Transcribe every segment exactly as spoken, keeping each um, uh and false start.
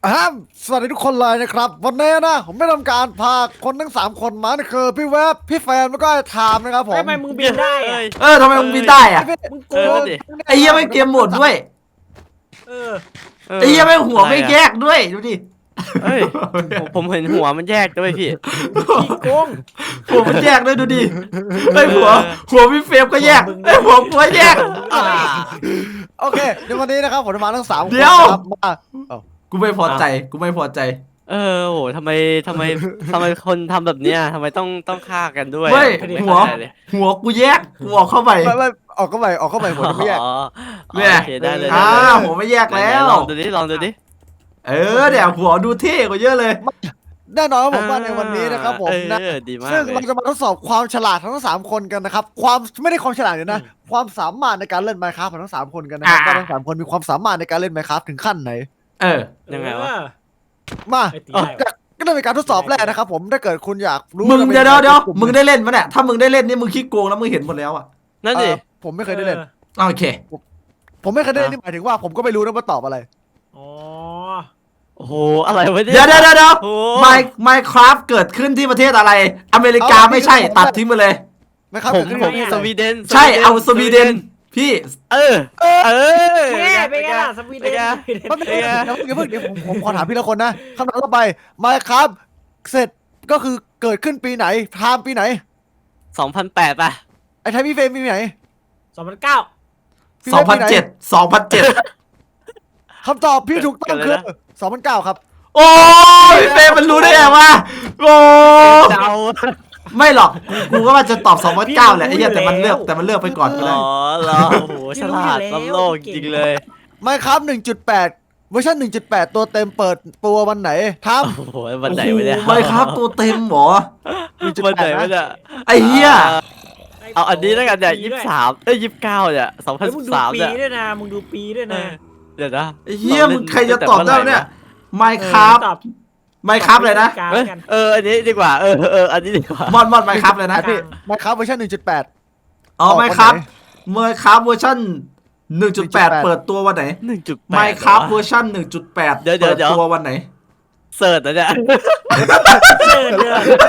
อ่าสวัสดีทุกคนเลยนะครับวันนี้นะผมได้ทำการพาคนทั้งสามคนมานี่คือพี่เวฟพี่แฟนแล้วก็ไอ้ไทม์นะครับผมทำไมมึงบินได้อะเออทำไมมึงบินได้อะพี่มึงโกเออง ดิงไอ้เหี้ยไม่เกมโหมดด้วยเออไอ้เหี้ยไม่หัวไม่แยกด้วยดูดิเฮ้ยผมผมเห็นหัวมันแยกด้วยพี่ขี้โกงหัวมันแยกด้วยดูดิไอ้ยหัวหัวพี่เฟรมก็แยกไอ้ยหัวกูก็แยกอ่าโอเคในวันนี้นะครับผมจะมาทั้งสามคนเดี๋ยวครับมากูไม่พอใจกูไม่พอใจเออโหทำไมทำไมทำไมคนทำแบบเนี้ยทำไมต้องต้องฆ่ากันด้วยเว้ยผมไม่หัวเข้าใจเลยหัวกูแยกกูออกเข้าไปไม่ไม่ออกเข้าไปออกเข้าไปหัวจะไม่แยกอ๋อเนี่ยโอเคได้เลยอ่าได้เลยหัวไม่แยกแล้วไหนๆลองดูดิลองดูดิเออเดี๋ยวหัวดูเท่กว่าเยอะเลยแน่นอนว่าผมว่าในวันนี้นะครับผมนะเออดีมากซึ่งเลยเราจะมาทดสอบความฉลาดทั้งสามคนกันนะครับความไม่ได้ความฉลาดเดี๋ยวนะความสามารถในการเล่น Minecraft ของทั้งสามคนกันนะครับอ่าว่าทั้งสามคนมีความสามารถในการเล่น Minecraft ถึงขั้นไหนเออยังไงวะเออมาไอ้ตีได้วะก็ได้เป็นการทดสอบแรกนะครับผมถ้าเกิดคุณอยากรู้มึงจะป็นเดี๋ยวเดี๋ยวเดี๋ยวกลุ่มึงได้เล่นปะเนี่ยถ้ามึงได้เล่นนี่มึงขี้โกงแล้วมึงเห็นหมดแล้วอ่ะนั่นเอ่ดิอผมไม่เคยได้เล่นออโอเคผมไม่เคยได้เล่นนี่หมายถึงว่าผมก็ไม่รู้นะว่าตอบอะไรอ๋อโอ้โหอะไรวะเนี่ยเดี๋ยวเดี๋ยวเดี๋ยวเดี๋ยวโอ้ไมไมคราฟเกิดขึ้นที่ประเทศอะไร อเมริกาเอาไม่ใช่เอาตัดทิ้งไปเลยไม่ครับผมเกิดขึ้นผมที่สไหนวีเดนใช่เอาสวีเดนพี่เออเออแม่เป็นไงล่ะสวีเดนแป๊บนึงเดี๋ยวเดี๋ยวเพิ่งเดี๋ยวผมผมขอถามพี่ละคนนะคำถามต่อไปมาครับเสร็จก็คือเกิดขึ้นปีไหนไทม์ปีไหนสองพันแปดป่ะไอ้ไทม์พี่เฟรมปีไหนสองพันเก้าพี่สองฟรพัมนปีไหเจ็ด สองพันเจ็ดคำตอบพี่ถูกต้องคือสองพันเก้าครับโอ้ยเฟรมมันรู้ได้ไงวะโอ้เดาไม่หรอก กูก็ว่าจะตอบสองพันเก้าแหละไอ้เหี้ยแต่มันเลือกแต่มันเลือกไปก่อนก็อ๋ได้อเหรอโอ้โหฉลาดล้ำโลกจริงเลยไม่ครับหนึ่งจุดแปดเวอร์ชันหนึ่งจุดแปดตัวเต็มเปิดตัววันไหนทโอ้โหวันไหนวะเนี่ยไมครับตัวเต็มเหรอวันไหนวะเนี่ยไอ้เหี้ยเอาอันนี้แล้วกันเนี่ยยี่สิบสามเอ้ยยี่สิบเก้าเนี่ยสองพันแล้วสิมึงบดูสามปีเนี่ยด้วยนะมึงดูปีด้วยนะเดี๋ยวนะไอ้เหี้ยมึงใครจะตอบได้เนี่ยไมครับตอบไมครับเลยนะตอบเอ้ยกันเอออันนี้ดีกว่าเออเอออันนี้ดีกว่ามอนมอนไมครับเลยำนะพี่ไม่ครับเวอร์ชันหนึ่งจุดแปดอ๋อไมครับไมครับเวอร์ชันหนึ่งจุดแปดเปิดตัววันไหนหนึ่งจุดแปดไมครับเวอร์ชันหนึ่งจุดแปดเดี๋ยวเดี๋ยวเปิดเดี๋ยวตัววันไหนเสิร์ชนะเนี่ยเชิญเลย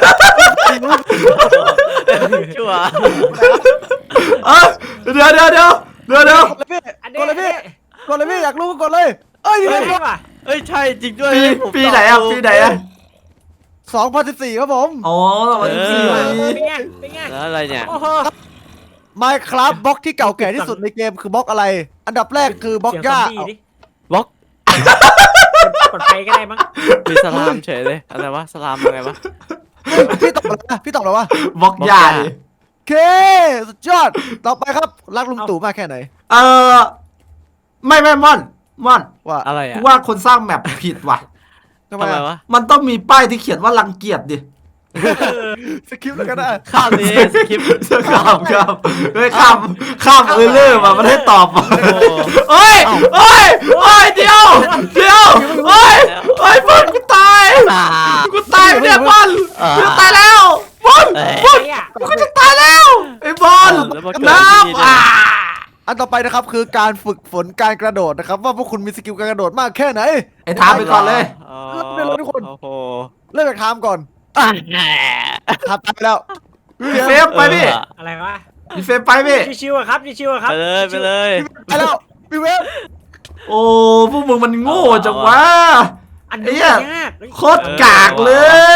ชัวร์เออเดี๋ยวเดี๋ยวเดี๋ยวเดี๋ยวเดี๋ยวกดเลยพี่อันกดเลยพี่กดเลยพี่อยากรู้ก็กดเลยเอ้ยนี้นี่เฮ้ยว่ะเอ้ยใช่จริงด้วยปีผมปีไหนอ่ะตบถูกปีไหนอ่ะสองพันสิบสี่ครับผมอ๋อวันที่สี่เป็นไงเป็นไงแล้วอะไรเนี่ยโอ้โหไม่ครับบล็อกที่เก่าแก่ที่สุดในเกมคือบล็อกอะไร อันดับแรกคือบล็อกหญ้าเสียงซอมบี้ดิบล็อกกดไปก็ได้มั้งมีสลามเฉยเลยอะไรวะสลามอะไรวะพี่ตอบอะไรนะพี่ตอบอะไรวะบล็อกใหญ่บล็อกใหญ่โอเคสุดยอดต่อไปครับรักลุงตู่มากแค่ไหนเออไม่ไม่ม่อนม่อนว่าอะไรกูอ่ะว่าคนสร้างแมปผิดว่ะทำไมทำไมอะวะมันต้องมีป้ายที่เขียนว่ารังเกียจดิสคริปต์แล้วก็ได้ข้ามนี้สคริปต์ข้ามข้ามเฮ้ยข้ามข้ามเออเลอร์มามันให้ตอบมาโอ้เฮ้ยเฮ้ยเฮ้ยเดี๋ยวเดี๋ยวเฮ้ยเฮ้ยบอลกูตายอ่ากูตายเนี่ยบอลอ่ากูตายแล้วบอลเอ้ยบอลไอ้อะกูจะตายแล้วไอ้บอลแล้วมาเกิดน้ที่นี่ำด้วยอ่าอันต่อไปนะครับคือการฝึกฝนการกระโดดนะครับว่าพวกคุณมีสกิลการกระโดดมากแค่ไหนไอ้ถามไปก่อนเลยอ๋อเริ่มเลยทุกคนโอ้โหเริ่มจากไทม์ก่อนอ่ะแหมไทม์ไปแล้วพี่เฟฟไปพี่อะไรวะพี่เฟฟไปพี่ชิวๆอะครับชิวๆอะครับไปเลยไปเลยไปแล้วพี่เวฟโอ้พวกมึงมันโง่จังวะอันไอ้นี้เหี้ยยากโคตรกากเลย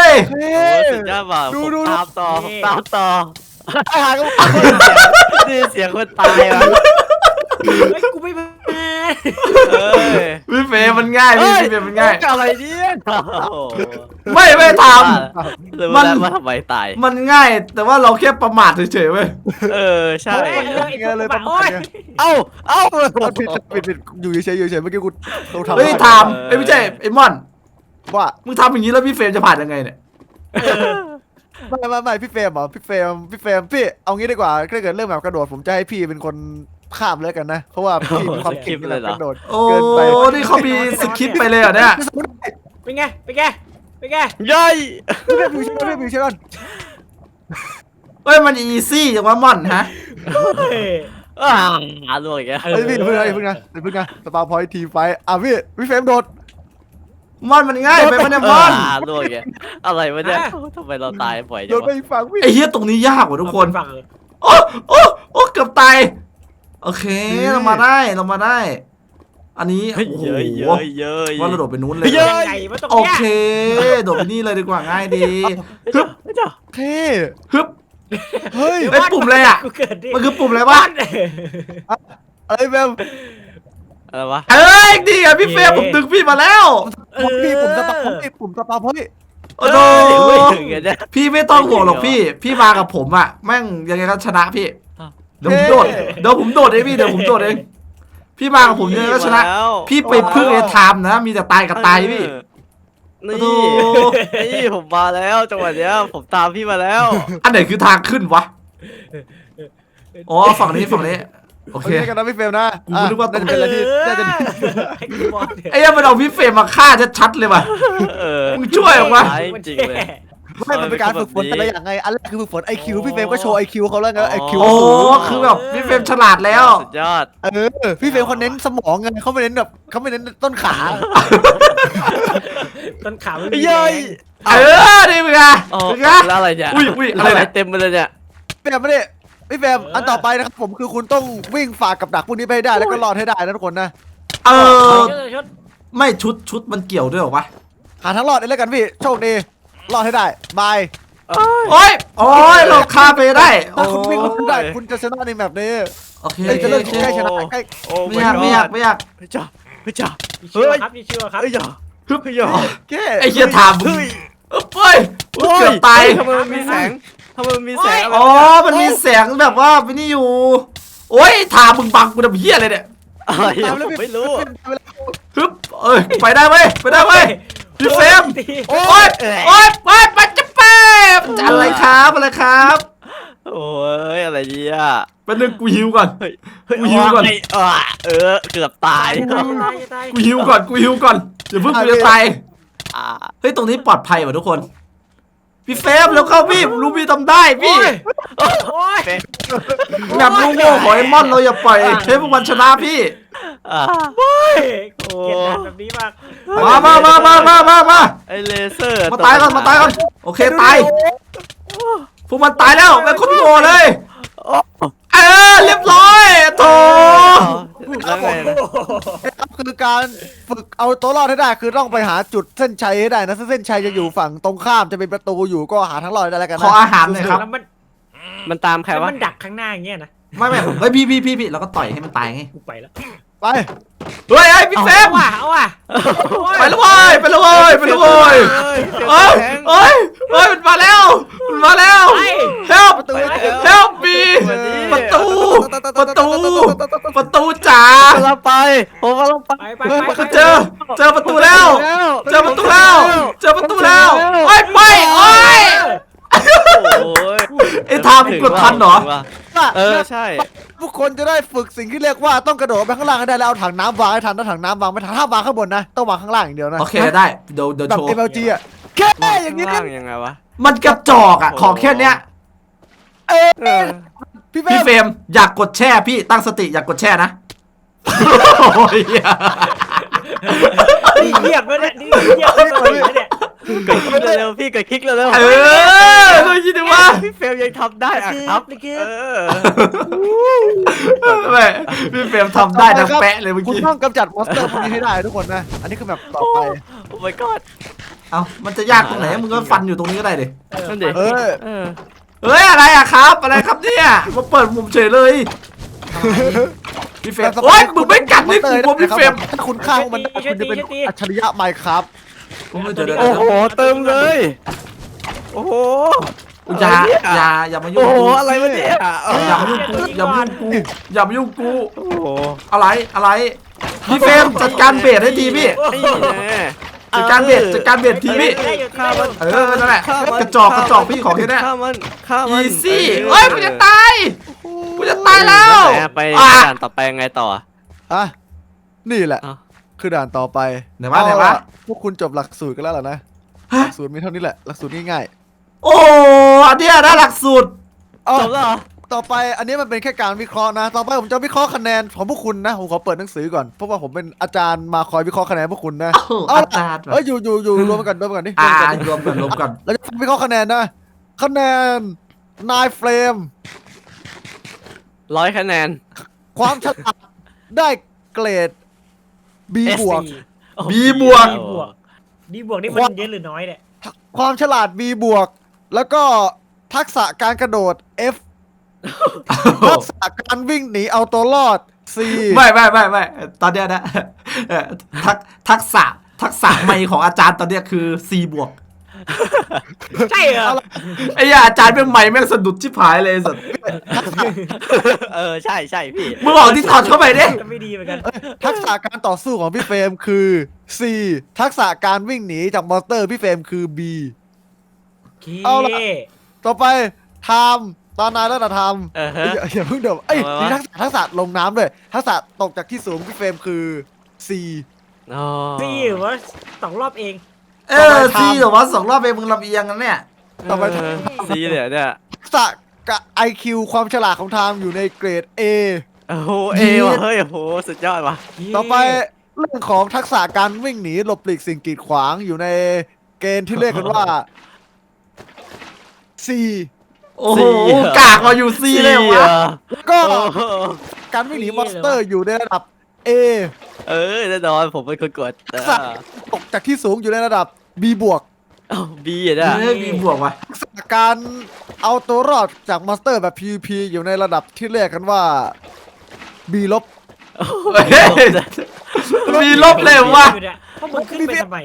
เฮ้โอ้สุดยอดว่ะดูผมดูตามต่อผมตามต่อไอ้หาก็นี่เสียงคนตายว่ะเฮ้ยกูไม่มาเอ้ยพี่เฟฟมันง่ายพี่พี่เฟฟมันง่ายอะไรเนี่ยโอ้โหไม่ไม่ทเลยมัว่าน ได้ว่าทำไมตายำมันง่าย แต่ว่าเราแค่ประมาทเฉยๆเว้ยเออใช่โอ้ยเรื่องไอ้พวกบ้าโอ้ยเอ้าเอ้าผิดผิดผิดอยู่เฉยอยู่เฉยเมื่อกี้กูเราทำเฮ้ยทำเอ้ยไม่ใช่ไอ้มอนว่ามึงทำอย่างนี้แล้วพี่เฟรมจะผ่านยังไงเนี่ยไม่ไม่ไม่พี่เฟรมเหรอพี่เฟรมพี่เฟรมพี่เอางี้ดีกว่าถ้าเกิดเรื่องแบบกระโดดผมจะให้พี่เป็นคนข้ามเลยกันนะ เพราะว่าพี่มีความเก่งในแบบกระโดดโอ้เกินไปนี่เขามีสคริปต์ไปเลยเหรอเนี่ยเป็นไงเป็นไงเป็นไงย่อยพี่เฟรมอยู่เฉยพี่เฟรมอยู่เฉยก่อนเฮ้ยมันอีซี่จังวะมอนฮะเฮ้ยอ่าลวกอีกแล้วเฮ้ยพี่เพิ่งนะเพิ่งนะเพิ่งนะสปาพอยทีไฟอ่ะพี่พี่เฟรมโดดมอนมันง่ายไปมันเนี่ยมอนอ่าล่วงแกอะไรวะเนี่ยทำไมเราตายบ่อยโดจังนไปวะอีกฝั่งพี่ไอ้เหี้ยตรงนี้ยากกว่าทุกคนฝั่งเออโอ้โอ้โอ้เกือบตายโอเคเรามาได้เรามาได้ อันนี้เฮ้ยโอ้โหเยอะเยอะเยอะว่าเราโดดไปนู้นเลยเยอะยังไงวะตรงโอเนี้ยเคโดดไปนี่เลยดีกว่าง่ายดีฮึบเท่ฮึบเฮ้ยไอ้ยปุ่มอะไรอ่ะกูเกิดดิมันคือปุ่มอะไรวะบ้านอะไรแบบอะไรวะเอ้ยดีอ่ะพี่เฟรมผมดึงพี่มาแล้วผมพี่ผมสปาผมพี่ผมสปาเฮ้ยโอ้โหไม่ถึงไงเนี่ยพี่ไม่ต้องห่วงหรอกพี่ พี่มากับผมอ่ะแม่งยังไงก็ชนะพี่อ้าวเดี๋ยวผมโดดเดี๋ยวผมโดดเองพี่เดี๋ยวผมโดดเองพี่มากับผมยังไงก็ชนะแล้วพี่ไปพึ่งไอ้ไทม์นะมีแต่ตายกับตายพี่นี่โอ้โหนี่ผมมาแล้วจังหวะเนี้ยผมตามพี่มาแล้วอันไหนคือทางขึ้นวะอ๋อฝั่งนี้ฝั่งนี้โอโอเคเคกันนะพี่เฟรมนะกูนึกว่าตรงน่จะเป็นอะไรที่น่าจะไอ้กูบอกเนี่ยไอ้ยังมันเอาพี่เฟรมมาฆ่าชัดๆเลยว่ะเออมึงช่วยออกมาตายจริงๆเลยไม่มันเป็นการฝึกฝนแต่ละอย่างไงอันแรกคือฝึกฝนไอคิวพี่เฟรมก็โชว์ไอคิวเขาแล้วไงไอคิวโอ้คือแบบพี่เฟรมฉลาดแล้วสุดยอดเออพี่เฟรมเขาเน้นสมองไงเขาไม่เน้นแบบเขาไม่เน้นต้นขาต้นขาไม่มีเย้ยแรงเออนี่มึงอะอ๋อมึงอะแล้วอะไรเนี่ยอุ้ยอุ้ยอะไรเนี่ยเต็มไปเลยเนี่ยพี่เฟรมไม่ได้พี่เฟรมอันต่อไปนะครับผมคือคุณต้องวิ่งฝ่ากับดักพวกนี้ไปให้ได้แล้วก็รอดให้ได้นะทุกคนนะเออเออชดไม่ชุดชุดมันเกี่ยวด้วยเหรอวะหาทางรอดได้แล้วกันพี่โชคดีรอดให้ได้บายโอ้ยโอ้ยเราฆ่าไปได้โอ้ถ้าคุณวิ่งรอดได้คุณจะชนะในแบบนี้โอเคเอ้ยจะเริ่มโอเคใกล้ชนะใกล้โอ้ไม่อยากไม่อยากไม่อยากเฮ้ยจ้าเฮ้ยจ้ามีชื่อครับมีชื่อครับเฮ้ยจ้าฮึบเฮ้ยจ้าแค่ไอ้เหี้ยถามมึงเฮ้ยเฮ้ยเกือบตายทำไมมันมีแสงทำไมมันมีแสงอ๋อมันมีแสงแบบว่าไม่นี่อยู่โอ้ยถามมึงบังกูทำเหี้ยอะไรเนี่ยอะไรอะผมไม่รู้ฮึบเอ้ยไปได้เว้ยไปได้เว้ยพี่เฟรมตีโอ้ยโอ้ยไปไปจะเป๊บจะอะไรครับอะไรครับโอ้ยอะไรเนี่ยเป็นหนึ่งกูหิวก่อนเฮ้ยกูหิวก่อนเฮ้ยเออเออเกือบตายตายตายตายกูหิวก่อนกูหิวก่อนอย่าเพิ่งกูจะตายอ่าเฮ้ยตรงนี้ปลอดภัยว่ะทุกคนพี่เฟรมแล้วเข้าพี่ผมรู้พี่ทำได้พี่โอ้ยแบบลูกโง่ของไอ้มอนเราอย่าปล่อยเทพวันชนะพี่อ่าโอ้ยเกลียดงานแบบนี้มากมามามามามามามาไอเลเซอร์มาตายก่อนมาตายก่อนโอเคตายพวกมันตายแล้วเป็นคนโง่เลยเออเรียบร้อยโถแล้วไงนะครับคือการฝึกเอาตัวรอดให้ได้คือต้องไปหาจุดเส้นชัยให้ได้นะซึ่งเส้นชัยจะอยู่ฝั่งตรงข้ามจะเป็นประตูอยู่ก็หาทางรอดให้ได้แล้วกันขอนะอาหารหน่อยครับแล้วมันมันตามใครแล้ววะมันดักข้างหน้าอย่างเงี้ยนะไม่ไม่เฮ้ยพี่พี่พี่พี่เราก็ต่อยให้มันตายไงกูไปแล้วไปเฮ้ยไอ้พี่เฟรมเอาว่ะเอาว่ะไปแล้วเว้ยไปแล้วเว้ยไปแล้วเว้ยเฮ้ยเฮ้ยเฮ้ยเฮ้ยมันมาแล้วมันมาแล้ว help ประตู help me ประตูประตูประตูจ๋าผมกำลังไปผมกำลังไปไปไปไปไปเจอเจอประตูแล้ว เจอประตูแล้ว เจอประตูแล้วโอ้ยไปโอ้ยโอ้ยไอ้ทามกดทันเหรอเออใช่ทุกคนจะได้ฝึกสิ่งที่เรียกว่าต้องกระโดดไปข้างล่างให้ได้แล้วเอาถังน้ำวางให้ทันถ้าถังน้ำวางไม่ทันห้ามวางข้างบนนะต้องวางข้างล่างอย่างเดียวนะโอเคได้เดี๋ยวเดี๋ยวแบบโชว์เอ็ม แอล จี อ่ะแค่อย่างนี้ข้างนะล่างยังไงวะมันกระจอกอ่ะของแค่เนี้ยเออพี่เฟพี่รเฟรมมอยากกดแช่พี่ตั้งสติอยากกดแช่นะโอ้ยนี่เงียบแล้วเนี่ยนี่เงียบแล้วเนี่ยกดคลิกเร็วๆพี่กดคลิกเร็วๆเออดูยินดีว่าพี่เฟลยังทำได้อะครับเออแม่พี่เฟรมทำได้ดังแปะเลยเมื่อคุณกี้ต้องกำจัดมอนสเตอร์พวกนี้ให้ได้ทุกคนนะอันนี้คือแบบต่อไปโอ้ my god เอ้ามันจะยากตรงไหนมึงก็ฟันอยู่ตรงนี้ก็ได้ดินั่นดิเออเออเฮ้ยอะไรอะครับอะไรครับเนี่ยมาเปิดมุมเฉยเลยพี่เฟรมโอ๊ยมึงไม่กัดนี่กูผมพี่เฟรมถ้าคุณฆ่าพวกมันได้คุณจะเป็นอัจฉริยะไมค์ครับโอ้ยเดี๋ยวเดี๋ยวโอ้เดี๋ยวโหเติมเลย โอ้โหอย่าอย่าอย่ามายุ่โอ้งโหกูอะไรวะเนี่ยอย่ามายุ่งกูอย่ามายุ่งกูอย่ามายุ่งกูโอ้โหอะไรอะไรพี่เฟรมจัดการเบสให้ทีพี่นี่แน่จัดการเบสจัดการเบสทีพี่ฆ่ามันเออนั่นแหละกระจอกกระจอกพี่ของแค่เนี้ยฆ่ามันฆ่ามันอีซี่เฮ้ยกูจะตายกูจะตายแล้วไปอ่ะด่านต่อไปยังไงต่ออ่ะนี่แหละอ้าวคือด่านต่อไปไหนวะไหนวะเอาล่พวกคุณจบหลักสูตรกันแล้วเหรอนะฮะหลักสูตรมีเท่านี้แหละหลักสูตรง่ายโอ้อันเนี้ยนะหลักสูตรๆอ๋อจบแล้วเหรอต่อไปอันนี้มันเป็นแค่การวิเคราะห์นะ ต่อไปผมจะวิเคราะห์คะแนนของพวกคุณนะผมขอเปิดหนังสือก่อนเพราะว่าผมเป็นอาจารย์มาคอยวิเคราะห์คะแนนพวกคุณนะอ้าวอาจารย์เอ้ยอยู่อยู่อยู่รวมกันรวมกันนี่อ่ารวมกันนี่รวมกันรวมกันเราจะวิเคราะห์คะแนนนะคะแนนนายเฟรมร้อยคะแนนความฉลาดได้เกรด B บวก B บวกดีบวกดีบวกนี่มันเยอะหรือน้อยเนี่ยความฉลาด B บวก แล้วก็ทักษะการกระโดด F ทักษะการวิ่งหนีเอาตัวรอด C ไม่ไม่ไม่ไม่ตอนเนี้ยนะเอ่อทักทักษะทักษะใหม่ของอาจารย์ตอนเนี้ยคือ C บวกใช่เหรอไอ้เหี้ยอาจารย์เป็นใหม่แม่งสะดุดชิบหายเลยสัสเออใช่ใช่พี่มึงออกที่ถอดเข้าไปดิก็ไม่ดีเหมือนกันทักษะการต่อสู้ของพี่เฟรมคือ C ทักษะการวิ่งหนีจากมอนสเตอร์พี่เฟรมคือ B เอาล่ะ ต่อไปไทม์ตอนนายแล้วนะไทม์เออฮะอย่าอย่าเพิ่งเดี๋ยวเอ้ยทำไมวะมีทักษะทักษะลงน้ำด้วยทักษะตกจากที่สูงพี่เฟรมคือ C อ๋อซีหรือว่าสองรอบเองเออ C เหรอวะสองรอบเองมึงลำเอียงกันเนี่ยต่อไปเซีเลยเนี่ยทักษะกับ ไอ คิว ความฉลาดของไทม์อยู่ในเกรด A โอ้โหเอว่ะเฮ้ยโอ้โหสุดยอดว่ะต่อไปเรื่องของทักษะการวิ่งหนีหลบหลีกสิ่งกีดขวางอยู่ในเกณฑ์ที่เรียกกันว่า C โอ้โหกากมาอยู่ C เลยวะแล้วก็โอ้โหการวิ่งหนีมอนสเตอร์อยู่ในระดับ A เออแน่นอนผมเป็นคนกดทักษะตกจากที่สูงอยู่ในระดับ B บวกบีอ่ะเนี่ยเฮ้ยมีบวกวะทักษะการเอาตัวรอดจากมอนสเตอร์แบบ PVP อยู่ในระดับที่เรียกกันว่า B ลบเฮ้ยมีลบเลยวะเพราะมึงขึ้นไปทำไม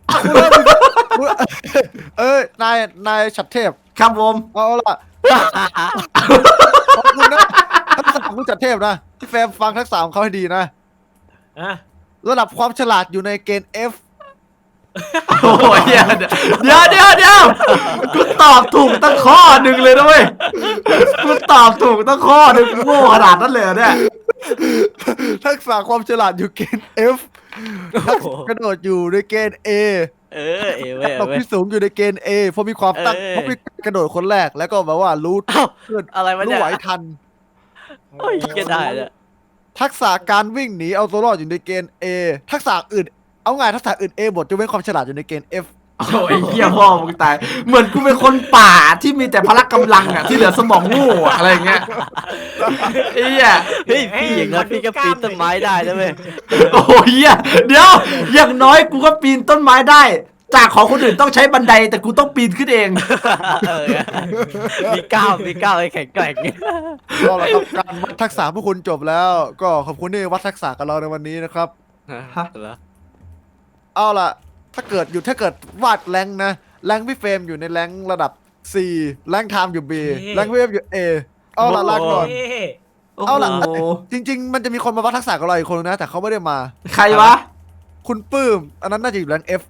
เอ้ยนายนายฉัดเทพครับผมเอาล่ะขอบคุณนะทักษะของคุณฉัดเทพนะพี่แฟมฟังทักษะของเขาให้ดีนะอ่ะระดับความฉลาดอยู่ในเกณฑ์ F โอ้ยเดี๋ยวเดี๋ยวเดี๋ยวเดี๋ยวกูตอบถูกตั้งข้อหนึ่งเลยนะเว้ยกูตอบถูกตั้งข้อหนึ่งโง่ขนาดนั้นเลยเหรอเนี่ยทักษะความฉลาดอยู่เกณฑ์ F ทักษะกระโดดอยู่ในเกณฑ์ A เออเอเว้ยตกเว้ยที่สูงอยู่ในเกณฑ์ A เพราะมีความตั้งเออเพราะมีกระโดดคนแรกแล้วก็แบบว่ารู้เอ้าเพื่อนอะไรวะรู้เนี่ยไหวทันโอ้ยก็ได้เนี่ยทักษะการวิ่งหนีเอาตัวรอดอยู่ในเกณฑ์ A ทักษะอื่นเอาไงทักษะอื่น A หมดจะเว้นความฉลาดอยู่ในเกณฑ์ F โอ้ยเหี้ยพ่อมึงตายเหมือนกูเป็นคนป่าที่มีแต่พละกำลังอ่ะที่เหลือสมองโง่อะอะไรอย่างเงี้ยไอ้เหี้ยเฮ้ยพี่อย่างนั้นพี่ก็ปีนต้นไม้ได้นะเว้ยโอ้ยเหี้ยเดี๋ยวอย่างน้อยกูก็ปีนต้นไม้ได้ จากของคนอื่นต้องใช้บันไดแต่กูต้องปีนขึ้นเองเออมีก้าวมีก้าวไอ้แข็งแกร่งก็แล้วครับการวัดทักษะพวกคุณจบแล้ว ก็ขอบคุณที่วัดทักษะกับเราในวันนี้นะครับฮะเหรอเอาล่ะ ถ้าเกิดอยู่ถ้าเกิดวาดแรงค์นะแรงค์พี่เฟรมอยู่ในแรงค์ระดับ C แรงค์ไทม์อยู่ B แรงค์พี่เฟรมอยู่ A เอาล่ะลาก่อนเอ๊ะโอ้เอาล่ะโหจริง ๆ มันจะมีคนมาวัดทักษะกับเราอีกคนนึงนะ แต่เขาไม่ได้มาใครวะคุณปื้ม อันนั้นน่าจะอยู่แรงค์ F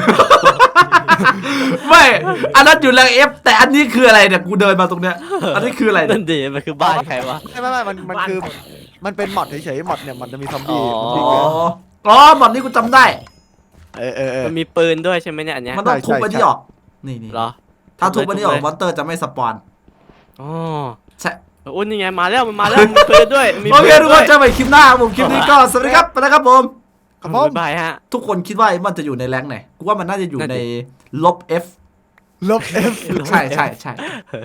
ไม่ อันนั้นอยู่แรงเอฟแต่อันนี้คืออะไรเนี่ยกูเดินมาตรงเนี้ยอันนี้คืออะไรเนี่นั่ยนดีมันคือบ้านใครวะไม่ไม่ไม่มันมันคือ มันเป็นมอดเฉยๆมอดเนี่ยมันจะมีซอมบี้อ๋อมันอ๋มีอเกินอ๋อหมดนี้กูจำได้เออเออเออมันมีปืนด้วยใช่ไหมเนี่ยอันเนี้ยมันต้องทุบใช่อันนี้ใช่ออกนี่นี่เหรอถ้าทุบอันนี้ออกมอนเตอร์จะไม่สปอนอ๋อใช่อุ้ยนี่ไงมาแล้วมันมาแล้วมีปืนด้วยมีโอเคปืนทุกด้ควน ยเจอกันใหม่คลิปหน้าครับผมคลิปนี้ก็สวัสดีครับไปแล้วครับผมครับผมบ๊ายบายฮะทุกคนคิดว่ามันจะอยู่ในแรงค์ไหนกูว่ามันน่าจะอยู่นั่นในดิลบ F ลบ F ใช่ใช่ใช่